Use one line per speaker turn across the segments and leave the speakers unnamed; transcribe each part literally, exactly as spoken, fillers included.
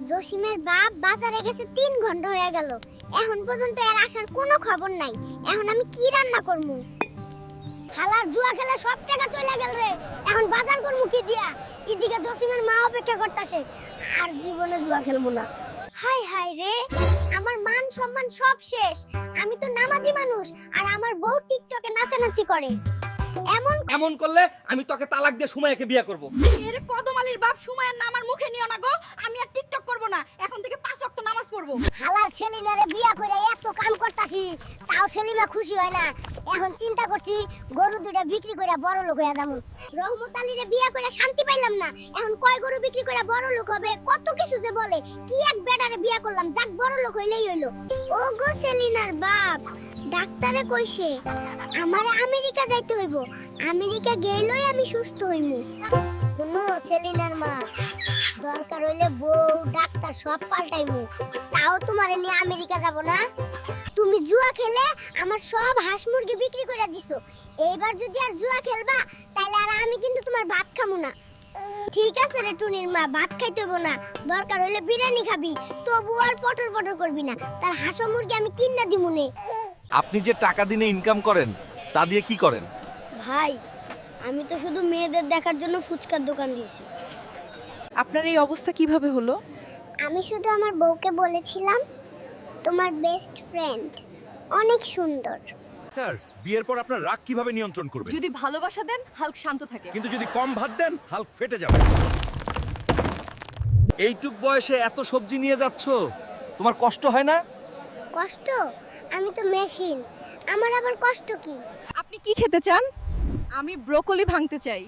জসিমের বাপ বাজারে গেছে তিন ঘন্টা হয়ে গেল, এখন পর্যন্ত এর আসার কোনো খবর নাই। এখন আমি কি রান্না করবো? হালার জুয়া খেলে সব টাকা চলে গেল রে, এখন বাজার করবো কি দিয়া? এদিকে জসিমের মা অপেক্ষা করতেছে, আর জীবনে জুয়া খেলবো না। হাই হাই রে, আমার মান সম্মান সব শেষ। আমি তো নামাজি মানুষ, আর আমার বউ টিকটকে নাচানাচি করে। এমন
এমন করলে আমি তোকে তালাক দিয়ে সুমাইয়াকে বিয়ে করব।
এর কদমালির বাপ সুমাইয়ার নাম আর মুখে নিও না গো। আমি আর টিকটক করব না, এখন থেকে পাঁচ ওয়াক্ত নামাজ পড়ব।
হালার ছেলিনারে বিয়া করে এত কাম করতাছি, তাও ছেলিমা খুশি হয় না। এখন চিন্তা করছি গরু দুইটা বিক্রি করে বড় লোক হয়ে যাবো। রহমত আলীরে বিয়া করে শান্তি পাইলাম না, এখন কয় গরু বিক্রি করে বড় লোক হবে, কত কিছু যে বলে। কি এক বেটারে বিয়া করলাম, যাক বড় লোক হইলেই হইলো। ও গো সেলিনার বাপ, ডাক্তারে কইছে আমারে আমেরিকা যাইতে হইব, আমেরিকা গেলেই আমি সুস্থ হইমু। শুনো সেলিনার মা, দরকার হইলে বউ ডাক্তার সব পাল্টাইমু, তাও তোমারে নিয়ে আমেরিকা যাব না। তুমি জুয়া খেলে আমার সব হাঁস মুরগি বিক্রি করে দিছো, এইবার যদি আর জুয়া খেলবা তাহলে আর আমি কিন্তু তোমার ভাত খামু না। ঠিক আছে রে টুনির মা, ভাত খাইতে হইব না, দরকার হইলে বিরিয়ানি খাবি, তবু আর পটর পটর করবি না। তার হাঁস মুরগি আমি কিনা দিমুনে।
আপনি যে টাকা দিনে ইনকাম করেন তা দিয়ে কি করেন?
ভাই, আমি তো শুধু মেয়েদের দেখার জন্য ফুচকার দোকান দিয়েছি।
আপনার এই অবস্থা কিভাবে হলো?
আমি শুধু আমার বউকে বলেছিলাম তোমার বেস্ট ফ্রেন্ড অনেক সুন্দর।
স্যার, বিয়ের পর আপনার রাগ কিভাবে নিয়ন্ত্রণ করবেন?
যদি ভালোবাসা দেন হাল্ক শান্ত থাকে,
কিন্তু যদি কম ভাত দেন হাল্ক ফেটে যাবে।
এইটুক বয়সে এত সবজি নিয়ে যাচ্ছ, তোমার কষ্ট হয় না?
কষ্ট? আমি তো মেশিন, আমার আবার কষ্ট কি?
আপনি কি খেতে চান? আমি ব্রোকলি ভাঙতে চাই।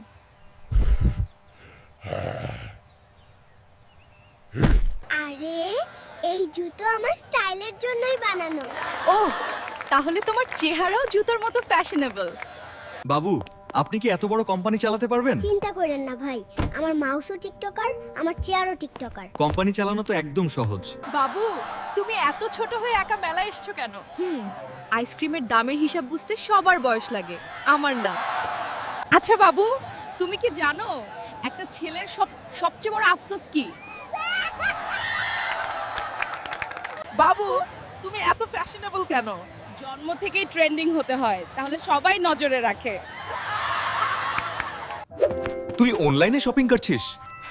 আরে এই জুতো আমার স্টাইলের জন্যই বানানো।
ওহ, তাহলে তোমার চেহারাও জুতোর মতো ফ্যাশনেবল।
বাবু, আপনি কি এত বড় কোম্পানি চালাতে পারবেন?
চিন্তা করেন না ভাই, আমার মাউসও টিকটকার, আমার চেয়ারও টিকটকার।
কোম্পানি চালানো তো একদম সহজ।
বাবু, তুমি এত ছোট হয়ে একা মেলায় এসছো কেন? হুম, আইসক্রিমের দামের হিসাব বুঝতে সবার বয়স লাগে, আমার না। আচ্ছা বাবু, তুমি কি জানো একটা ছেলের সব সবচেয়ে বড় আফসোস কি?
বাবু, তুমি এত ফ্যাশনেবল কেন?
জন্ম থেকেই ট্রেন্ডিং হতে হয়, তাহলে সবাই নজরে রাখে।
তুই অনলাইনে শপিং করছিস?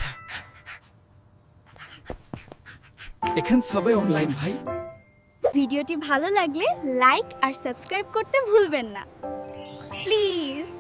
এখন সবাই অনলাইন ভাই।
ভিডিওটি ভালো লাগলে লাইক আর সাবস্ক্রাইব করতে ভুলবেন না প্লিজ।